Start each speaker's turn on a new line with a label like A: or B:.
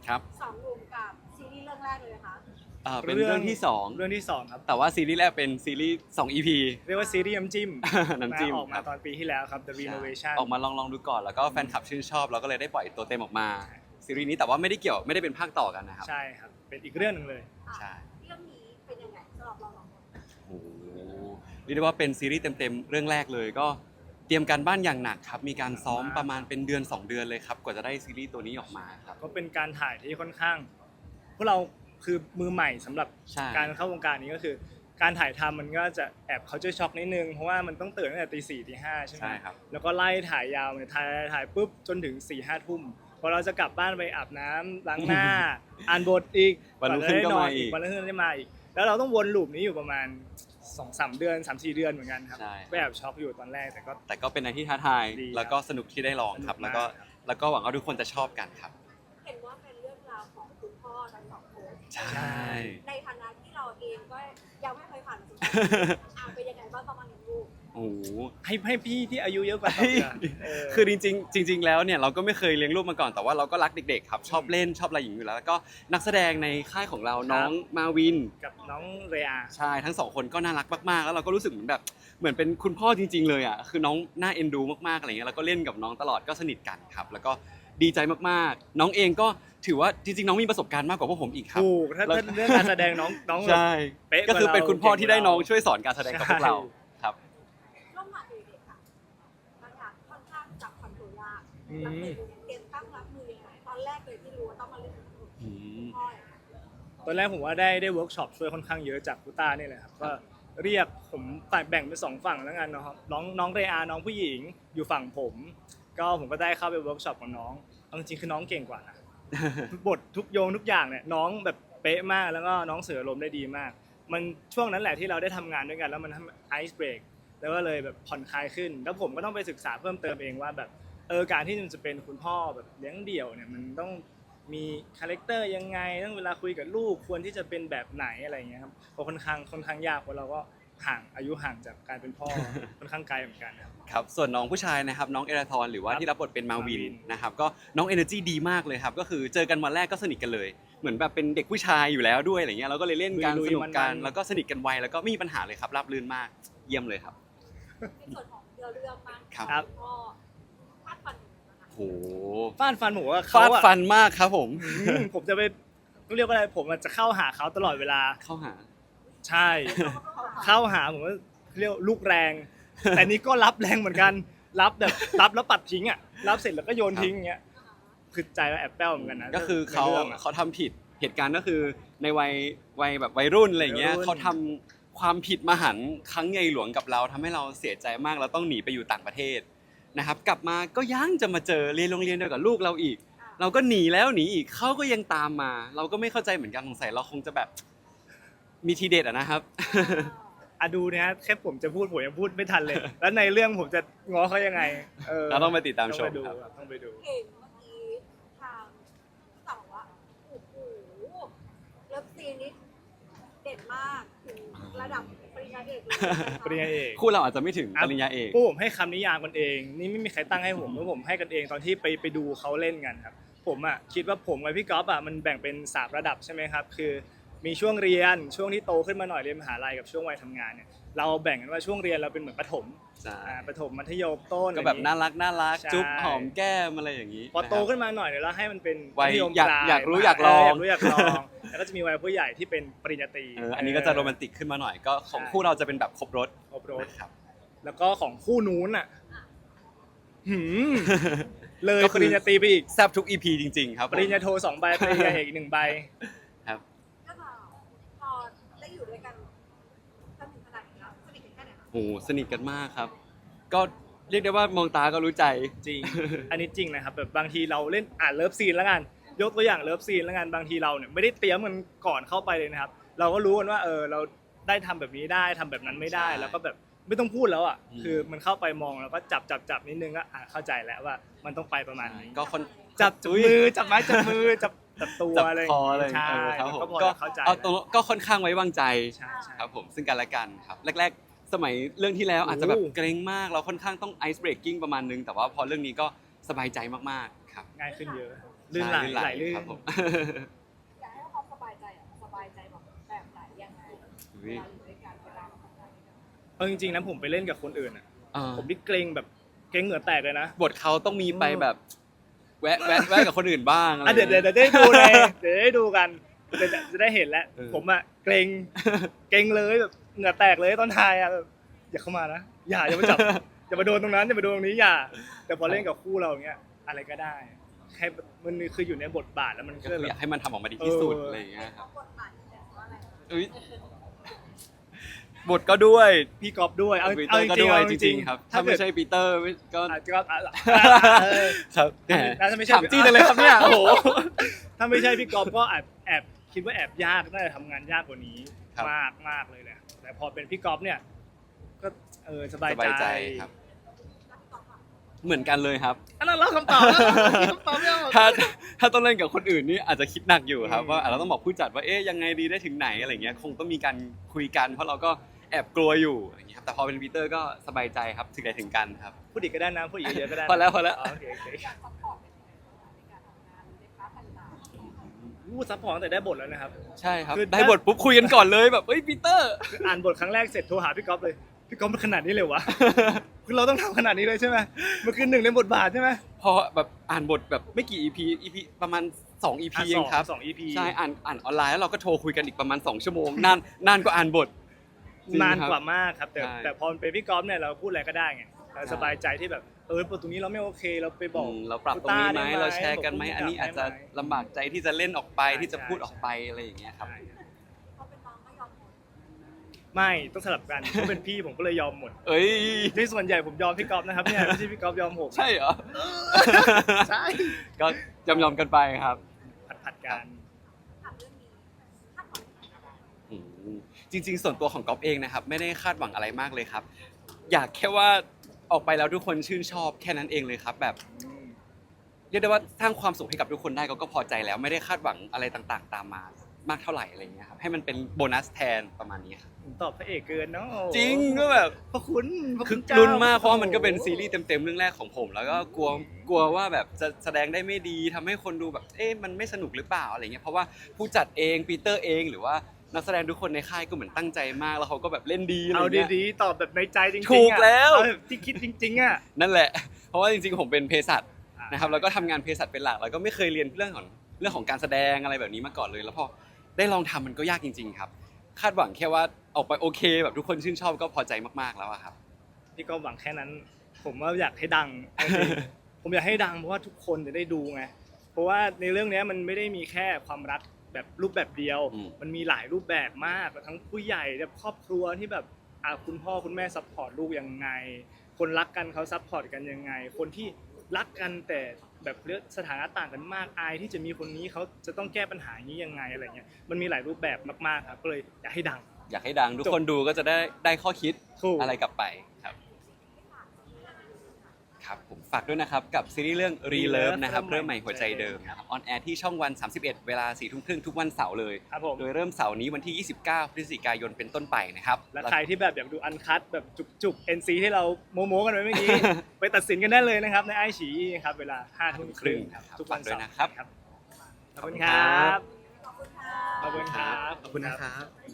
A: ครับ
B: สองหนุ่มกับซีรีส์เรื่องแรกเลยนะคะ
A: เป็นเรื่องที่สอง
C: เรื่องที่2ครับ
A: แต่ว่าซีรีส์แรกเป็นซีรีส์2 EP
C: เรียกว่าซีรีส์น้ำจิ้ม
A: น้ำจิ้ม
C: ออกมาตอนปีที่แล้วครับ The Renovation
A: ออกมาลองดูก่อนแล้วก็แฟนคลับชื่นชอบเราก็เลยได้ปล่อยตัวเต็มออกมาซีรีส์นี้แต่ว่าไม่ได้เป็นภาคต่อกันนะครับ
C: ใช่ครับเป็นอีกเรื่องหนึ่งเลย
A: ใช่
B: เรื่องนี้เป็นยังไงสำหรับเราสองคน
A: โอ้โหเรียกได้ว่าเป็นซีรีส์เต็มๆเรื่องแรกเลยก็เตรียมการบ้านอย่างหนักครับมีการซ้อมประมาณเป็นเดือน 2 เดือนเลยครับกว่าจะได้ซีรีส์ตัวนี้ออกมาครับ
C: ก็เป็นการถ่ายที่ค่อนข้างพวกเราคือมือใหม่สำหรับ
A: ใช่
C: การเข้าวงการนี้ก็คือ การถ่ายทำมันก็จะแอบเขาจะช็อกนิดนึงเพราะว่ามันต้องตื่นตั้งแต่ตี 4 ตี 5ใช่ไหม
A: ใช่ครับ
C: แล้วก็ไล่ถ่ายยาวเลยถ่ายปุ๊บจนถึง 4-5 ทุ่มพอเราจะกลับบ้านไปอาบน้ำล้างหน้า อ่านบทอีก
A: วันรุ่งขึ้นก็มาอีก
C: วันรุ่งขึ้นได้มาอีก แล้วเราต้องวนลูปนี้อยู่ประมาณ 2-3 เดือน 3-4 เดือนเหมือนกันครับ
A: ใช่
C: ก็แอบช็อกอยู่ตอนแรกแต่ก็
A: เป็นอะไรที่ท้าทาย
C: ดีครับ
A: แล้วก็สนุกที่ได้ลองครับ
C: สนุก
A: แล้ว
C: มาก
A: ก็
C: ครับ
A: แล้วก็หวังว่าทุกคนจะชอบกันครับ
B: เห็นว่าเป็นเรื่องราวของคุณพ่อทั้งสองคน
A: ใช่
B: ในฐานะที่เราเองก็ยังไม่เคยผ่านประสบการณ์เป็นยังไงบ้างประมาณนี้ลูก
A: โอ้โห
C: ให้พี่ที่อายุเยอะกว่าตอบนะเ
A: คือจริงๆแล้วเนี่ยเราก็ไม่เคยเลี้ยงลูกมาก่อนแต่ว่าเราก็รักเด็กๆครับชอบเล่นชอบอะไรอย่างนี้อยู่แล้วแล้วก็นักแสดงในค่ายของเราน้องมาวิน
C: กับน้องเรีย
A: ใช่ทั้งสองคนก็น่ารักมากๆแล้วเราก็รู้สึกเหมือนเป็นคุณพ่อจริงๆเลยอ่ะคือน้องน่าเอ็นดูมากๆอะไรเงี้ยแล้วก็เล่นกับน้องตลอดก็สนิทกันครับแล้วก็ดีใจมากๆ น้องเองก็ถือว่าจริงๆน้องมีประสบการณ์มากกว่าพวกผมอีกครับ
C: ถูกถ้า
A: แล้ว
C: เรื่องการแสดงน้อง
A: ใช่
C: เป๊ะก
A: ก็
C: ว่า
A: คือเป็นคุณพ่อ
C: เรา
A: ที่ได้น้องช่วยสอนการแสดงกับพวกเราครับ
B: ร่วมงานเด็กๆค่ะบางอย่างค่อนข้างจับคอนโทรลยาก
C: อื
B: เรา
C: ม
B: เตรียมตั้งรับมือยังไงตอนแรกเลยที่รู้ว่าต้องมาเล่นกับคุณ
A: อืม
B: พ่อ
C: ตอนแรกผมว่าได้เวิร์กช็อปช่วยค่อนข้างเยอะจากคุต้านี่แหละครับก็เรียกผมแบ่งเป็น2ฝั่งแล้วกันเนาะครับน้องเรอาน้องผู้หญิงอยู่ฝั่งผมก็ได้เข้าไปเวิร์กช็อปกับน้องเอาจริงๆคือน้องเก่งกว่านะ ทุกบททุกโยงทุกอย่างเนี่ยน้องแบบเป๊ะมากแล้วก็น้องเสือลมณ์ได้ดีมาก มันช่วงนั้นแหละที่เราได้ทำงานด้วยกันแล้วมันทำไอซ์เบรกแล้วก็เลยแบบผ่อนคลายขึ้น แล้วผมก็ต้องไปศึกษาเพิ่มเติมเองว่าแบบการที่มันจะเป็นคุณพ่อแบบเลี้ยงเดี่ยวเนี่ยมันต้องมีคาแรคเตอร์ยังไงต้องเวลาคุยกับลูกควรที่จะเป็นแบบไหนอะไรอย่างเงี้ยครับเพราะค่อนข้างยากเพราะเราก็อายุห่างจากการเป็นพ่อ ค่อนข้างไกลเหมือนกันครับ
A: ครับส่วนน้องผู้ชายนะครับน้องเอราทอนหรือว่า
C: ครับ
A: ที่รับบทเป็นมาวิน
C: มาวิน
A: นะครับก็น้องเอเนอร์จีดีมากเลยครับก็คือเจอกันวันแรกก็สนิทกันเลยเหมือนแบบเป็นเด็กผู้ชายอยู่แล้วด้วยอะไรเงี้ยเราก็เลยเล่นกัน
C: ลุยๆ
A: สนุกกัน
C: มันๆ
A: แล้วก็สนิทกันไวแล้วก็ไม่มีปัญหาเลยครับราบรื่นมากเยี่ยมเลยครับ
B: ในส่วนของเรื่องมาก
A: ครับ
B: ณพ่อคาดฟันนะคะ
A: โห
C: ฟาดฟันผมว่า
A: ฟา
C: เขา
A: ด
C: อะ
A: ฟันมากครับผม
C: ผมจะไปเรียกว่าอะไรผมอะจะเข้าหาเขาตลอดเวลา
A: เข้าหา
C: ใช่ เข้าหาผมก็เรียกลูกแรง แต่นี่ก็รับแรงเหมือนกัน รับแล้วปัดทิ้งอ่ะ รับเสร็จแล้วก็โยนทิ้งอย่างเงี้ย คือใจเราแอบแป้วเหมือนกันนะ
A: ก็คือเขา
C: ในรื่องอะ
A: เขาทำผิดเหตุการณ์ก็คือในวัยแบบวัยรุ่นอะไรเงี้ย
C: วัยรุ่น
A: เขาทำความผิดมหันต์ครั้งใหญ่หลวงกับเราทำให้เราเสียใจมากเราต้องหนีไปอยู่ต่างประเทศนะครับกลับมาก็ยังจะมาเจอเรียนโรงเรียนเดียวกับลูกเราอีก เราก็หนีแล้วหนีอีกเขาก็ยังตามมา เราก็ไม่เข้าใจเหมือนกันสงสัยเราคงจะแบบมีทีเด็ดอะนะครับ
C: อะดูนะฮะแค่ผมจะพูดผมยังพูดไม่ทันเลย แล้วในเรื่องผมจะง้อเขายังไง
A: เราต้องไปติดตามชม
C: ต้องไปดู
A: ครับ
C: ครับต้องไปดู
B: เห็นเมื่อกี้ทางพี่ต่อบอกว่าโอ้โหเลิฟซีนนี้เด็ดมากถึงระดับปริญญาเอกเลยนะคะ
C: ปริญญาเอก
A: คู่เราอาจจะไม่ถึงปริญญาเอก
C: พวกผมให้คำนิยามกันเอง นี่ไม่มีใครตั้งให้ผมเพราะผมให้กันเองตอนที่ไปดูเขาเล่นกันครับ ผมอ่ะคิดว่าผมกับพี่ก๊อฟอ่ะมันแบ่งเป็น3ระดับใช่ไหมครับ คือมีช่วงเรียนช่วงที่โตขึ้นมาหน่อยเรียนมหาลัยกับช่วงวัยทำงานเนี่ยเราแบ่งกันว่าช่วงเรียนเราเป็นเหมือนประถม
A: ใช่
C: ประถมมัธยมต้น
A: ก็แบบน่ารัก
C: ใช่
A: จุ๊บหอมแก้มอะไรอย่างนี้
C: พอโต
A: นะครับ
C: ขึ้นมาหน่อยเนี่ยเราให้มันเป็น
A: วัย
C: มัธยม
A: อยาก
C: ปลาย
A: อยากรู้อยากลอง
C: อยากรู้อยากลองแล้วก็จะมีวัยผู้ใหญ่ที่เป็นปริญญาตรี
A: อันนี้ก็จะโรแมนติกขึ้นมาหน่อยก็ของคู่เราจะเป็นแบบครบรถ
C: ครบรถ
A: นะครับ
C: แล้วก็ของคู่นู้นอ่ะหืมเลย
A: ก็คือ
C: ปริญญาตรีไปอีก
A: แซ่บทุก EP จริงๆครับผม
C: ปริญญาโท2 ใบ ปริญญาเอกอีก1 ใบ
A: ครับ
B: ก็พอได้อยู่ด้วยกันจนถึงขนาดนี้แล้วสนิทกันแค่ไหนคะ
A: โอ้โหสนิทกันมากครับ ก็เรียกได้ว่ามองตาก็รู้ใจ
C: จริง อันนี้จริงนะครับแบบบางทีเราเล่นเลิฟซีนแล้วกัน ยกตัวอย่างเลิฟซีนแล้วกันบางทีเราเนี่ยไม่ได้เตรียมกันก่อนเข้าไปเลยนะครับ เราก็รู้กันว่าเราได้ทำแบบนี้ได้ทำแบบนั้นไม่ได้
A: ใช่
C: แล้วก็แบบไม่ต้องพูดแล้วอ่ะ
A: อืม
C: คือมันเข้าไปมองแล้วก็จับนิดนึงก็เข้าใจแล้วว่ามันต้องไปประมาณนี้
A: ก็คน
C: จับ
A: อุ๊ย
C: มือจับไม้จับมือจับตัว
A: จับ
C: อะไร
A: คออะไร
C: ใช่
A: ครับผม
C: ก็พอ
A: ก็
C: เข้าใจ
A: เอาตรงก็ค่อนข้างไว้วางใจ
C: ใช่ใช่
A: ครับผมซึ่งกันและกันครับแรกๆ สมัยเรื่องที่แล้วอาจจะแบบ
C: โอ้
A: เกรงมากเราค่อนข้างต้องไอซ์เบรกกิ้งประมาณนึงแต่ว่าพอเรื่องนี้ก็สบายใจมากๆครับ
C: ง่ายขึ้นเยอะลื่นไหล
A: ใช่
C: ไหลลื่น
A: ครับผม
B: อยากให้ความสบายใจอะสบายใจแบบไหนยังไงเวลาอยู่ด้วยกันเวลาทำงานด้วยกัน
C: เอาจริงๆนะผมไปเล่นกับคนอื่นอ่ะ
A: อ่า
C: ผมนี่เกรงแบบเกรงเหงื่อแตกเลยนะ
A: บทเขาต้องมีไปแบบแวะกับคนอื่นบ้างอะไร
C: อ่ะเดี๋ยวได้ดูในเดี๋ยวได้ดูกันเดี๋ยวจะได้เห็นแล้ว
A: เออ
C: ผมอ่ะเกรงเลยแบบเหงื่อแตกเลยตอนถ่ายอ่ะแบบอย่าเข้ามานะอย่ามาจับ อย่ามาโดนตรงนั้นอย่ามาโดนตรงนี้อย่า แต่พอเล่นกับคู่เราอย่างเงี้ยอะไรก็ได้แค่มันคืออยู่ในบทบาทแล้วมัน
A: ก็
C: ก็
A: คือ
C: แบ
A: อยา
C: บ
A: กให้มันทำออกมาดีที่สุด
C: เอออ
A: อะไรอย่างเงี้ยค
B: เขา
A: รับ
B: กดบัตรแต่ว่าอะไร
A: อุ๊ยบทก็ด้วย
C: พี่ก๊อฟด้วยเอา
A: ปีเตอ
C: เอา
A: ร์ก็
C: จริง
A: ด้วย
C: ๆเอา
A: จ
C: จ
A: ริ
C: ริ
A: ง
C: ง
A: ๆครับ
C: ๆ
A: ถ้าไม่ใช่ปีเตอร์ก็
C: ก็
A: ครับแหม
C: ถ้าไม่ใช่
A: ถามจี้จังเลยครับเนี่ยโอ้โห
C: ถ้าไม่ใช่พี่ก๊อฟก็แอบคิดว่าแอบยากน่าจะทำงานยากกว่านี้
A: ครับ
C: มากเลยแหละแต่พอเป็นพี่ก๊อฟเนี่ยก็สบาย
A: สบายใจครับ เหมือนกันเลยครับ
C: อันนั้นเราคำตอบแล้วคำตอบไม่ออก
A: ถ้าต้องเล่นกับคนอื่นนี่อาจจะคิดหนักอยู่ครับ
C: อืม
A: ว่าเราต้องบอกผู้จัดว่าเอ๊ยยังไงดีได้ถึงไหนอะไรเงี้ยคงต้องมีการคุยกันเพราะเราก็แอบกลัวอยู่อย่างเงี้ยครับแต่พอเป็นปีเตอร์ก็สบายใจครับถึงไหนถึงกันครับ
C: พูดอีกก็ได้นะพูดอีกเยอะก็ได้นะ
A: พอแล้ว
C: โอเค
B: การซัพพอร์ตเป็นยังไงบ้างในการทำงานในพาร์ทต่างๆ
C: พูดซัพพอร์ตตั้งแต่ได้บทแล้วนะครับ
A: ใช่ครับ
C: คือ
A: ได้บทปุ๊บคุยกันก่อนเลยแบบเอ้ยปีเตอร์
C: คืออ่านบทครั้งแรกเสร็จโทรหาพี่ก๊อฟเลยพี่ก๊อฟมันขนาดนี้เลยวะ คือเราต้องทำขนาดนี้เลยใช่ไหมมันคือหนึ่งในบทบาทใช่ไหม
A: พอแบบอ่านบทแบบไม่กี่ EP ประมาณ2 EP เองครับ
C: สอง EP
A: ใช่อ่านออนไลน์แล้วเราก็โทรคุยกันอีกประมาณ2 ชั่วโมงนานกว่าอ่านบทจริง
C: นาน
A: ครับ
C: กว่ามากครับแต่
A: ใช่
C: แต่พอเป็นพี่ก๊อฟเนี่ยเราพูดอะไรก็ได้ไงเราสบายใจที่แบบตรงนี้เราไม่โอเคเราไปบอก
A: เราปรับตรงนี้ไหม
C: คุณต้าได้ไหม
A: เราแชร์กันไหม
C: บอก
A: อันนี้อาจจะ
C: ได้ไหม
A: ลำบากใจที่จะเล่นออกไป
C: ใช่
A: ที่จะพูด
C: ใช่
A: ออกไปอะไรอย่างเงี้ยครับ
C: ใช่ครับ
B: เขาเป็นน้องก็ยอมหมด
C: ไม่ต้องสลับกันเขาเป็นพี่ผมก็เลยยอมหมด
A: เอ้ย
C: ในส่วนใหญ่ผมยอมพี่ก๊อฟนะครับเนี่ยไม่ใช่พี่ก๊อฟยอมผม
A: ใช่เหรอ
C: ใช่
A: ก็ยอมกันไปครับ
C: ผัดกัน
B: ถามเรื่องนี้คาดหวังอะไร
A: อืมจริง ๆ ส่วนตัวของก๊อฟเองนะครับไม่ได้คาดหวังอะไรมากเลยครับ อยากแค่ว่าออกไปแล้วทุกคนชื่นชอบแค่นั้นเองเลยครับ แบบเรียกได้ว่าสร้างความสุขให้กับทุกคนได้ก็พอใจแล้วไม่ได้คาดหวังอะไรต่างๆ ตามมามากเท่าไหร่อะไรอย่างเงี้ยครับให้มันเป็นโบนัสแทนประมาณนี้ครับ
C: ผมตอบพระเอกเกินเนาะ
A: จริงก็แบบ
C: พระคุณพระ
A: คื
C: คุ
A: อ
C: ณเจ้า
A: ลุ้นมากเพราะว่ามันก็เป็นซีรีส์เต็มๆเรื่องแรกของผม แล้วก็กลัวว่าแบบจะแสดงได้ไม่ดีทำให้คนดูแบบเอ๊ะมันไม่สนุกหรือเปล่าอะไรเงี้ยเพราะว่าผู้จัดเองปีเตอร์เองหรือว่านักแสดงทุกคนในค่ายก็เหมือนตั้งใจมากแล้วเขาก็แบบเล่นดีอะไร
C: เอา
A: เงี้ย
C: ดีๆตอบแบบในใจจริงๆ
A: ถูกแล้ว
C: เอาแบบที่คิดจริงๆอ่ะ
A: นั่นแหละ เพราะว่าจริงๆผมเป็นเภสัชนะครับแล้วก็ทำงานเภสัชเป็นหลักแล้วก็ไม่เคยเรียนเรื่องของการแสดงอะไรแบบนี้มาก่อนเลย แล้วพอได้ลองทำมันก็ยากจริง ๆ ครับ คาดหวังแค่ว่าออกไปโอเค แบบทุกคนชื่นชอบก็พอใจมากๆแล้วอะครับ
C: พี่ก็หวังแค่นั้น ผมว่าอยากให้ดังเอาจริง ผมอยากให้ดังเพราะว่าทุกคนจะได้ดูไง เพราะว่าในเรื่องนี้มันไม่ได้มีแค่ความรักแบบรูปแบบเดียว
A: อืม
C: มันมีหลายรูปแบบมากทั้งผู้ใหญ่แบบครอบครัวที่แบบคุณพ่อคุณแม่ซัพพอร์ตลูกยังไง คนรักกันเขาซัพพอร์ตกันยังไง คนที่รักกันแต่แบบเลือกสถานะต่างกันมากอายที่จะมีคนนี้เขาจะต้องแก้ปัญหาอย่างนี้ยังไงอะไรเงี้ย มันมีหลายรูปแบบมากๆครับ ก็เลยอยากให้ดัง
A: อยากให้ดังทุกคนดูก็จะได้ข้อคิด
C: ถูก
A: อะไรกลับไปครับครับผมฝากด้วยนะครับกับซีรีส์เรื่อง Relove นะครับเริ่มใหม่หัวใจเดิมนะครับออนแอร์ที่ช่องวัน 31 เวลา 4:30 ทุกวันเสาร์เลย
C: ครับผม
A: โดยเริ่มเสาร์นี้วันที่ 29 พฤศจิกายนเป็นต้นไปนะครับ
C: และใครที่แบบอยากดูอันคัตแบบจุกๆ NC ที่เราโม้ๆกันไว้เมื่อกี้ ไปตัดสินกันได้เลยนะครับในไอฉีครับเวลา 5:30 นครับทุกวันเสาร์
A: ฝากด้วยนะครับ
C: ขอบคุณครับ
B: ขอบคุณค่ะ
C: ขอบคุณครับ
A: ขอบคุณนะครับ